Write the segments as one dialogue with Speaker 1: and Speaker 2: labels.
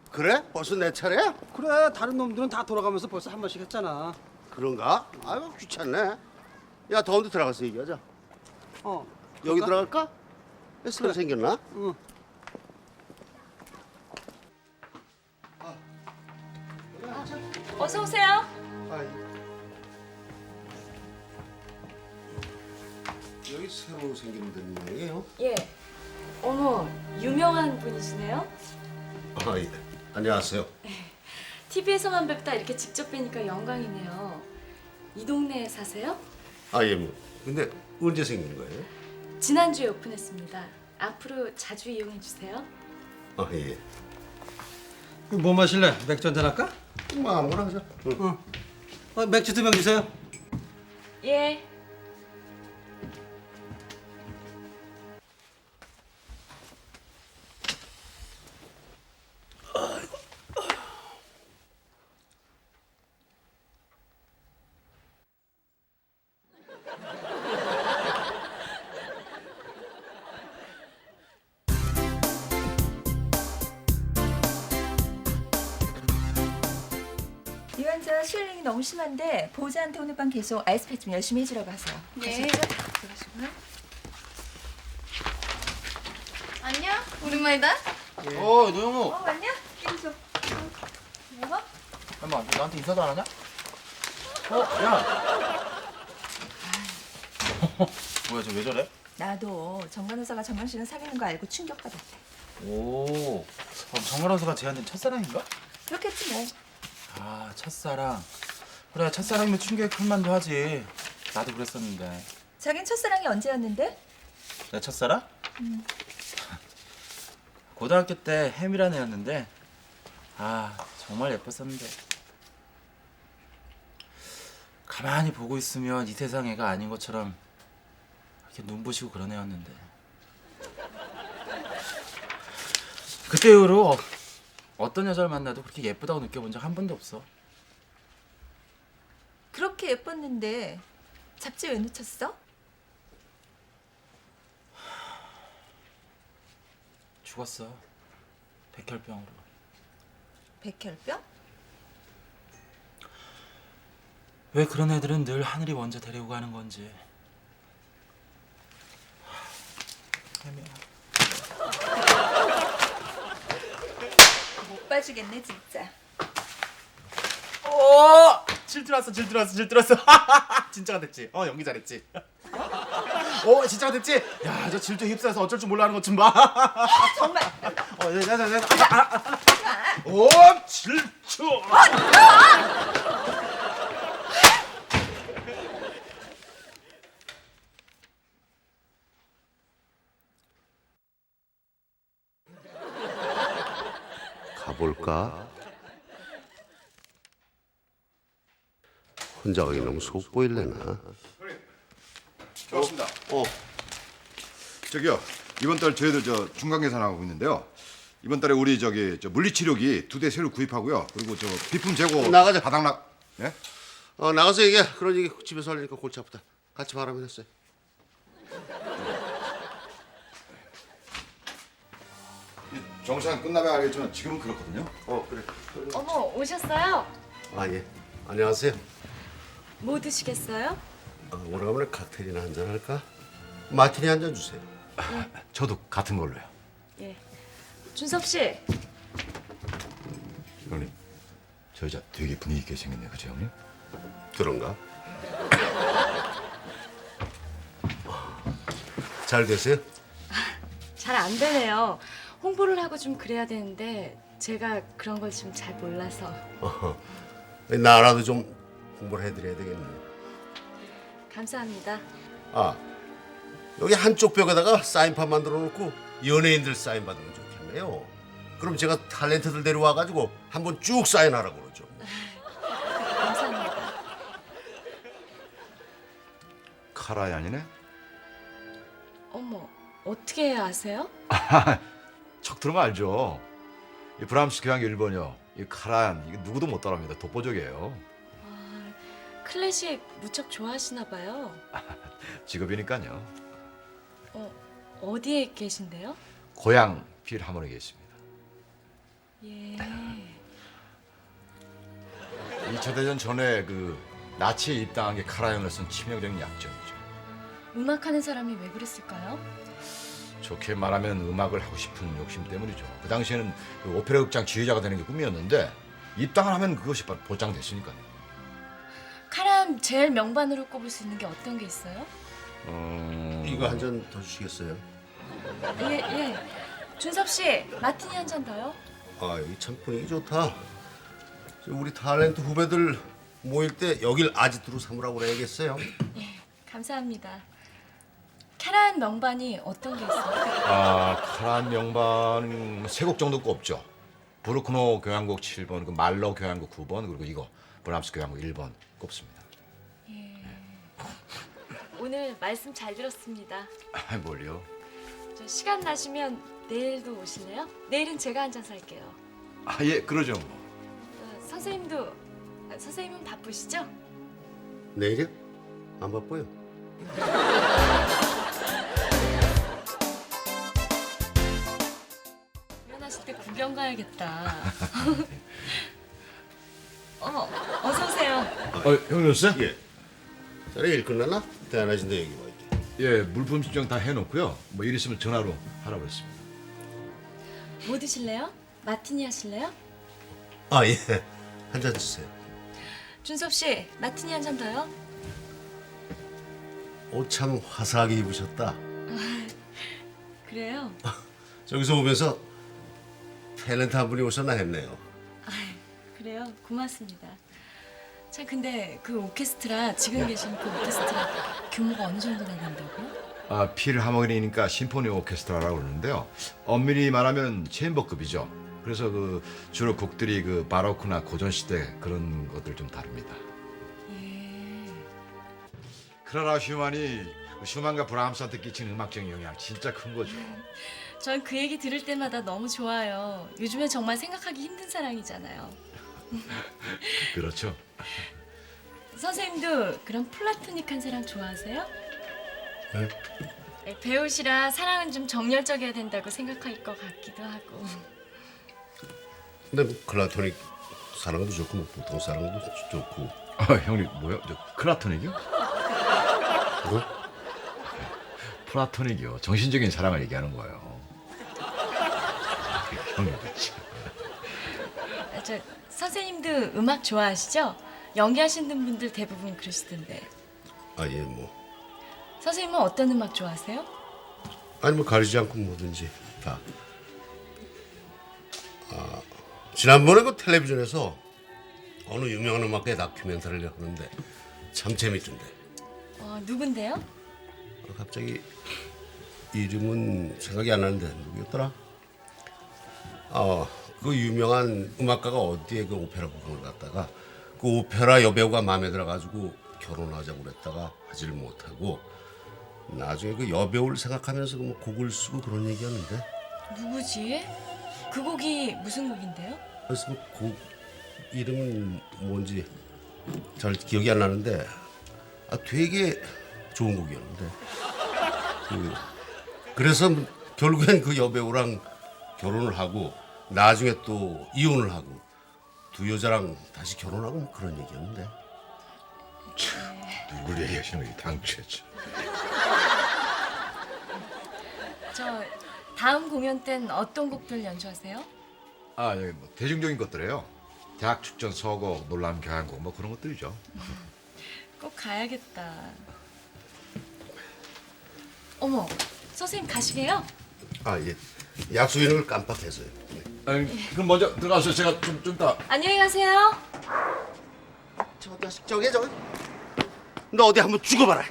Speaker 1: 그래? 벌써 내 차례야?
Speaker 2: 그래, 다른 놈들은 다 돌아가면서 벌써 한 번씩 했잖아.
Speaker 1: 그런가? 아유 귀찮네. 야 더운데 들어가서 얘기하자. 여기
Speaker 2: 그럴까?
Speaker 1: 들어갈까? 새로 생겼나?
Speaker 2: 응.
Speaker 3: 어서 오세요.
Speaker 1: 여기 새로 생긴 데인데요.
Speaker 3: 예. 어머, 유명한 분이시네요.
Speaker 1: 예. 안녕하세요.
Speaker 3: TV에서만 뵙다 이렇게 직접 뵈니까 영광이네요. 이 동네에 사세요?
Speaker 1: 예. 뭐. 근데 언제 생긴 거예요?
Speaker 3: 지난주에 오픈했습니다. 앞으로 자주 이용해 주세요.
Speaker 1: 예.
Speaker 2: 뭐 마실래? 맥주 한잔 할까?
Speaker 1: 뭐 아무거나 하자. 응.
Speaker 2: 맥주 2병 주세요.
Speaker 3: 예.
Speaker 4: 이 환자 스웰링이 너무 심한데 보호자한테 오늘 밤 계속 아이스팩 좀 열심히 해주라고 하세요.
Speaker 3: 네.
Speaker 4: 들어가시고요.
Speaker 5: 안녕? 오랜만이다.
Speaker 6: 노영우.
Speaker 4: 왔냐? 계속. 뭐가?
Speaker 6: 잠깐만, 너 나한테 인사도 안 하냐? 야. 뭐야, 저 왜 저래?
Speaker 4: 나도 정간호사가 정강 씨랑 사귀는 거 알고 충격받았대.
Speaker 6: 오, 정관호사가 쟤한테 첫사랑인가?
Speaker 4: 그렇겠지 뭐.
Speaker 6: 아, 첫사랑. 그래, 첫사랑이면 충격이 클 만도 하지. 나도 그랬었는데.
Speaker 4: 자긴 첫사랑이 언제였는데?
Speaker 6: 내 첫사랑? 고등학교 때 혜미란 애였는데, 아, 정말 예뻤었는데. 가만히 보고 있으면 이 세상 애가 아닌 것처럼 이렇게 눈부시고 그런 애였는데. 그때 이후로 어떤 여자를 만나도 그렇게 예쁘다고 느껴본 적 한 번도 없어.
Speaker 4: 그렇게 예뻤는데 잡지 왜 놓쳤어?
Speaker 6: 죽었어. 백혈병으로.
Speaker 4: 백혈병?
Speaker 6: 왜 그런 애들은 늘 하늘이 먼저 데리고 가는 건지. 혜미야.
Speaker 4: 못 봐주겠네 진짜.
Speaker 6: 질투났어. 진짜가 됐지. 연기 잘했지. 진짜가 됐지. 야, 저 질투 휩싸여서 어쩔 줄 몰라 하는 것 좀 봐.
Speaker 4: 정말.
Speaker 6: 질투.
Speaker 1: 가볼까? 혼자 가기 너무 속보일래나?
Speaker 7: 좋습니다. 저기요, 이번 달 저희들 저 중간 계산하고 있는데요. 이번 달에 우리 저기 저 물리치료기 2대 새로 구입하고요. 그리고 저 비품 재고
Speaker 1: 나가자.
Speaker 7: 바닥락. 예?
Speaker 1: 나가서 얘기해. 그런 얘기 집에서 하려니까 골치 아프다. 같이 바라면 했어요.
Speaker 7: 정시간 끝나면 알겠지만 지금은 그렇거든요.
Speaker 1: 그래.
Speaker 3: 어머, 오셨어요?
Speaker 1: 예. 안녕하세요.
Speaker 3: 뭐 드시겠어요?
Speaker 1: 오래간만에 칵테일이나 한잔 할까? 마티니 한 잔 주세요.
Speaker 7: 저도 같은 걸로요.
Speaker 3: 예. 준섭 씨.
Speaker 7: 형님, 저 여자 되게 분위기 있게 생겼네, 그죠 형님?
Speaker 1: 그런가? 잘 되세요?
Speaker 3: 잘 안 되네요. 홍보를 하고 좀 그래야 되는데 제가 그런 걸 좀 잘 몰라서.
Speaker 1: 나라도 좀 홍보를 해드려야 되겠네.
Speaker 3: 감사합니다.
Speaker 1: 여기 한쪽 벽에다가 사인판 만들어 놓고 연예인들 사인 받으면 좋겠네요. 그럼 제가 탤런트들 데려와가지고 한번 쭉 사인하라고 그러죠.
Speaker 3: 감사합니다.
Speaker 7: 카라이 아니네?
Speaker 3: 어머, 어떻게 아세요?
Speaker 7: 척 들으면 알죠. 이 브람스 교향 1번이요. 이 카라얀 이거 누구도 못 따라합니다. 독보적이에요.
Speaker 3: 클래식 무척 좋아하시나 봐요.
Speaker 7: 직업이니까요.
Speaker 3: 어디에 계신데요?
Speaker 7: 고향 필하모니에 있습니다.
Speaker 3: 예.
Speaker 7: 2차 대전 전에 그 나치에 입당한 게 카라얀을 쓴 치명적인 약점이죠.
Speaker 3: 음악하는 사람이 왜 그랬을까요?
Speaker 7: 좋게 말하면 음악을 하고 싶은 욕심 때문이죠. 그 당시에는 그 오페라 극장 지휘자가 되는 게 꿈이었는데 입당을 하면 그것이 바로 보장됐으니까요.
Speaker 3: 카람 제일 명반으로 꼽을 수 있는 게 어떤 게 있어요?
Speaker 1: 이거 한 잔 더 주시겠어요?
Speaker 3: 예. 준섭 씨, 마티니 한 잔 더요?
Speaker 1: 아 여기 참 분위기 좋다. 우리 탤런트 후배들 모일 때 여길 아지트로 삼으라고 그래야겠어요.
Speaker 3: 감사합니다. 카라얀 명반이 어떤 게 있어요?
Speaker 7: 카라얀 명반은 3곡 정도 꼽죠. 브루크노 교향곡 7번, 그 말러 교향곡 9번, 그리고 이거 브람스 교향곡 1번 꼽습니다.
Speaker 3: 오늘 말씀 잘 들었습니다.
Speaker 7: 뭘요?
Speaker 3: 저 시간 나시면 내일도 오실래요? 내일은 제가 한 잔 살게요.
Speaker 7: 예, 그러죠 뭐.
Speaker 3: 선생님은 바쁘시죠?
Speaker 1: 내일이요? 안 바빠요.
Speaker 3: 공연하실 때 구경 가야겠다. 어서 오세요.
Speaker 7: 형님 오셨어요?
Speaker 1: 예. 자네 일 끝났나? 대안하신데 여기 와 있게.
Speaker 7: 예, 물품 신청 다 해놓고요. 뭐 일 있으면 전화로 하라고 했습니다.
Speaker 3: 뭐 드실래요? 마티니 하실래요?
Speaker 1: 아 예. 한 잔 주세요.
Speaker 3: 준섭 씨, 마티니 한 잔 더요?
Speaker 1: 옷 참 화사하게 입으셨다.
Speaker 3: 그래요?
Speaker 1: 저기서 오면서 탤런트 한 분이 오셨나 했네요.
Speaker 3: 그래요? 고맙습니다. 자, 근데 그 오케스트라 지금 계신 그 오케스트라 규모가 어느 정도 나간다고요?
Speaker 7: 필하모니니까 심포니 오케스트라라고 그러는데요. 엄밀히 말하면 챔버급이죠. 그래서 그 주로 곡들이 그 바로크나 고전 시대 그런 것들 좀 다룹니다.
Speaker 3: 예.
Speaker 7: 크라라 슈만이 슈만과 브라함스한테 끼친 음악적인 영향 진짜 큰 거죠.
Speaker 3: 전 그 얘기 들을 때마다 너무 좋아요. 요즘에 정말 생각하기 힘든 사랑이잖아요.
Speaker 7: 그렇죠.
Speaker 3: 선생님도 그런 플라토닉한 사랑 좋아하세요?
Speaker 1: 네?
Speaker 3: 배우시라 사랑은 좀 정열적이어야 된다고 생각할 것 같기도 하고.
Speaker 1: 근데 뭐 클라토닉 사랑도 좋고 뭐 보통 사랑도 좋고.
Speaker 7: 형님 뭐요? 저 크라토닉이요?
Speaker 1: 뭐?
Speaker 7: 플라토닉이요. 정신적인 사랑을 얘기하는 거예요. 형님 그렇지.
Speaker 3: 저 선생님도 음악 좋아하시죠? 연기하시는 분들 대부분 그러시던데.
Speaker 1: 아 예 뭐.
Speaker 3: 선생님은 어떤 음악 좋아하세요?
Speaker 1: 아니 뭐 가리지 않고 뭐든지 다. 지난번에 그 텔레비전에서 어느 유명한 음악가의 다큐멘터리를 하는데 참 재밌던데.
Speaker 3: 누군데요?
Speaker 1: 갑자기 이름은 생각이 안 나는데 누구였더라? 그 유명한 음악가가 어디에 그 오페라 부흥을 갔다가 그 오페라 여배우가 마음에 들어가지고 결혼하자고 그랬다가 하질 못하고 나중에 그 여배우를 생각하면서 그 뭐 곡을 쓰고 그런 얘기였는데.
Speaker 3: 누구지? 그 곡이 무슨 곡인데요?
Speaker 1: 그래서 그 곡 이름은 뭔지 잘 기억이 안 나는데 되게 좋은 곡이었는데 그래서 결국엔 그 여배우랑 결혼을 하고 나중에 또 이혼을 하고 두 여자랑 다시 결혼하고 뭐 그런 얘기였는데.
Speaker 7: 누굴 얘기하시는 거예요? 당최죠.
Speaker 3: 저 다음 공연 땐 어떤 곡들 연주하세요?
Speaker 7: 여기 뭐 대중적인 것들이에요. 대학 축전 서곡, 놀람 교향곡 뭐 그런 것들이죠.
Speaker 3: 꼭 가야겠다. 어머, 선생님 가시게요?
Speaker 1: 예. 약속 있는 걸 깜빡해서요.
Speaker 7: 그럼 먼저 들어가서 제가 좀 이따.
Speaker 3: 안녕히 가세요.
Speaker 1: 저 자식 저기 너 어디 한번 죽어봐라.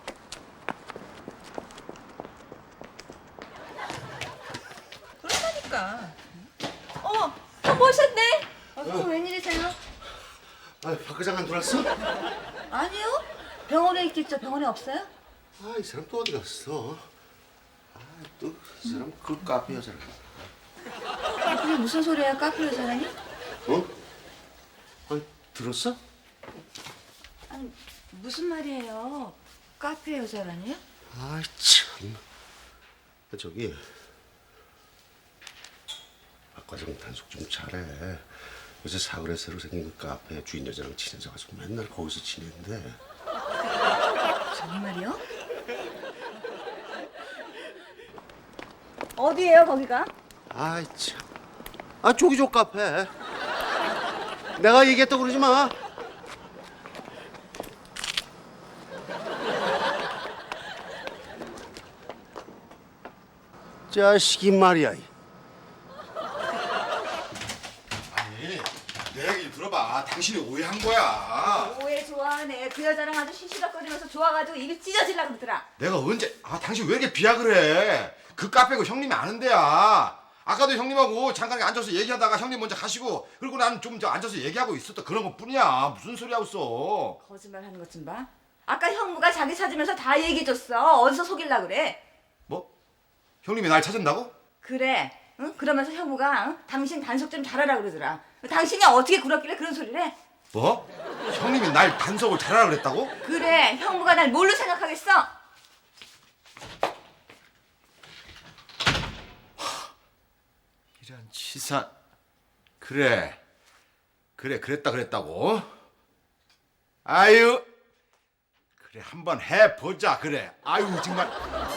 Speaker 4: 그러니까. 모셨네.
Speaker 5: 웬일이세요?
Speaker 1: 박 회장 안 들어왔어?
Speaker 5: 아니요. 병원에 있겠죠. 병원에 없어요?
Speaker 1: 이 사람 또 어디 갔어? 또 이 사람 그 카페 여자를.
Speaker 5: 그게 무슨 소리야? 카페 여자라니?
Speaker 1: 들었어?
Speaker 5: 아니, 무슨 말이에요? 카페 여자라니요?
Speaker 1: 참. 저기 박 과장 단속 좀 잘해. 요새 사거리에 새로 생긴 그 카페 주인 여자랑 친해져가지고 맨날 거기서 지내는데
Speaker 5: 정말이요? 어디예요 거기가?
Speaker 1: 아이 참. 아 조기조 카페. 내가 얘기했다고 그러지 마. 자식이 말이야.
Speaker 7: 아니 내 얘기 들어봐. 당신이 오해한 거야.
Speaker 5: 오해 좋아하네. 그 여자랑 아주 시시덕거리면서 좋아가지고 입이 찢어질라 그러더라.
Speaker 7: 내가 언제 당신 왜 이렇게 비약을 해? 그 카페고 형님이 아는 데야. 아까도 형님하고 잠깐 앉아서 얘기하다가 형님 먼저 가시고 그리고 난 좀 앉아서 얘기하고 있었다 그런 것뿐이야. 무슨 소리 하고 있어?
Speaker 5: 거짓말하는 것 좀 봐. 아까 형무가 자기 찾으면서 다 얘기해줬어. 어디서 속일라 그래?
Speaker 7: 뭐? 형님이 날 찾은다고?
Speaker 5: 그래. 응? 그러면서 형무가 응? 당신 단속 좀 잘하라 그러더라. 당신이 어떻게 그렇길래 그런 소리를 해?
Speaker 7: 뭐? 형님이 날 단속을 잘하라 그랬다고?
Speaker 5: 그래. 형무가 날 뭘로 생각하겠어?
Speaker 7: 이런 치사. 그래 그랬다고. 아유 그래 한번 해보자. 그래. 아유 정말.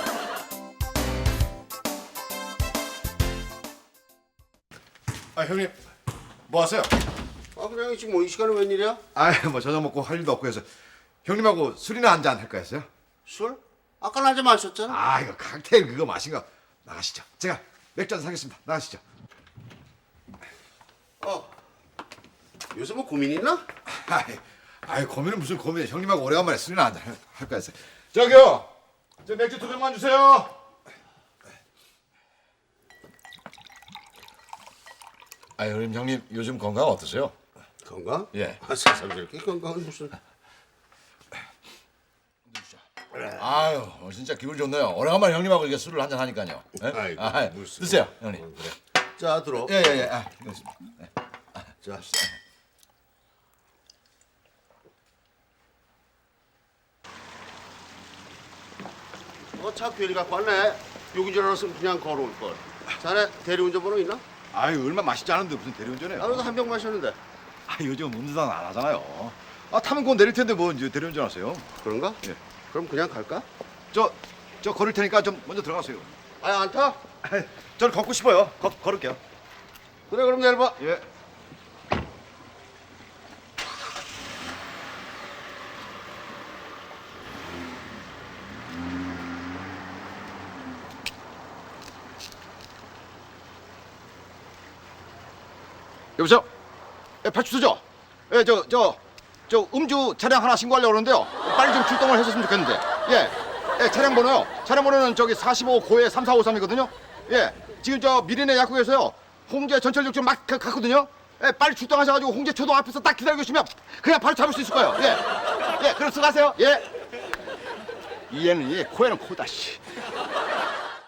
Speaker 7: 아 형님 뭐 하세요?
Speaker 1: 아 그냥 지금 뭐 이 시간에 웬일이야?
Speaker 7: 아유 뭐 저녁 먹고 할 일도 없고 해서 형님하고 술이나 한잔 할까 했어요.
Speaker 1: 술? 아까 낮에 마셨잖아.
Speaker 7: 아 이거 칵테일 그거 마신 거. 나가시죠. 제가 맥주 한잔 사겠습니다. 나가시죠.
Speaker 1: 요새 뭐 고민 있나?
Speaker 7: 아이 고민은 무슨 고민이야. 형님하고 오래간만에 술이나 한잔 할까 했어요. 저기요 저 맥주 2병만 주세요. 아 형님 요즘 건강 어떠세요?
Speaker 1: 건강?
Speaker 7: 예.
Speaker 1: 아 세상 저렇게 건강은 무슨?
Speaker 7: 아유 진짜 기분 좋네요. 오래간만에 형님하고 이렇게 술을 한잔 하니까요. 예?
Speaker 1: 아이고,
Speaker 7: 아,
Speaker 1: 무슨.
Speaker 7: 드세요 형님.
Speaker 1: 그래. 자 들어.
Speaker 7: 예예예. 아, 이거 있습니다.
Speaker 1: 자. 차 괜히 갖고 왔네. 여기 줄 알았으면 그냥 걸어올 걸. 자네 대리운전 번호 있나?
Speaker 7: 아유 얼마 마시지 않은데 무슨 대리운전해요?
Speaker 1: 나도 한 병 마셨는데.
Speaker 7: 아 요즘 운전 안 하잖아요. 아 타면 그건 내릴 텐데 뭐 이제 대리운전 하세요?
Speaker 1: 그런가?
Speaker 7: 예.
Speaker 1: 그럼 그냥 갈까?
Speaker 7: 저 걸을 테니까 좀 먼저 들어가세요.
Speaker 1: 아니 안 타?
Speaker 7: 저는 걷고 싶어요. 걸을게요.
Speaker 1: 그래 그럼 내일 봐.
Speaker 7: 예. 여보세요? 예, 파출소죠? 예, 저 음주 차량 하나 신고하려고 그러는데요. 빨리 좀 출동을 해줬으면 좋겠는데. 예, 차량 번호요. 차량 번호는 저기 45 고에 3453이거든요. 예, 지금 저 미리네 약국에서요. 홍제 전철 육점 막 갔거든요. 예, 빨리 출동하셔가지고 홍제 초등 앞에서 딱 기다리고 계시면 그냥 바로 잡을 수 있을 거예요. 예, 그럼 수고하세요. 예. 이에는 예, 코에는 코다 씨.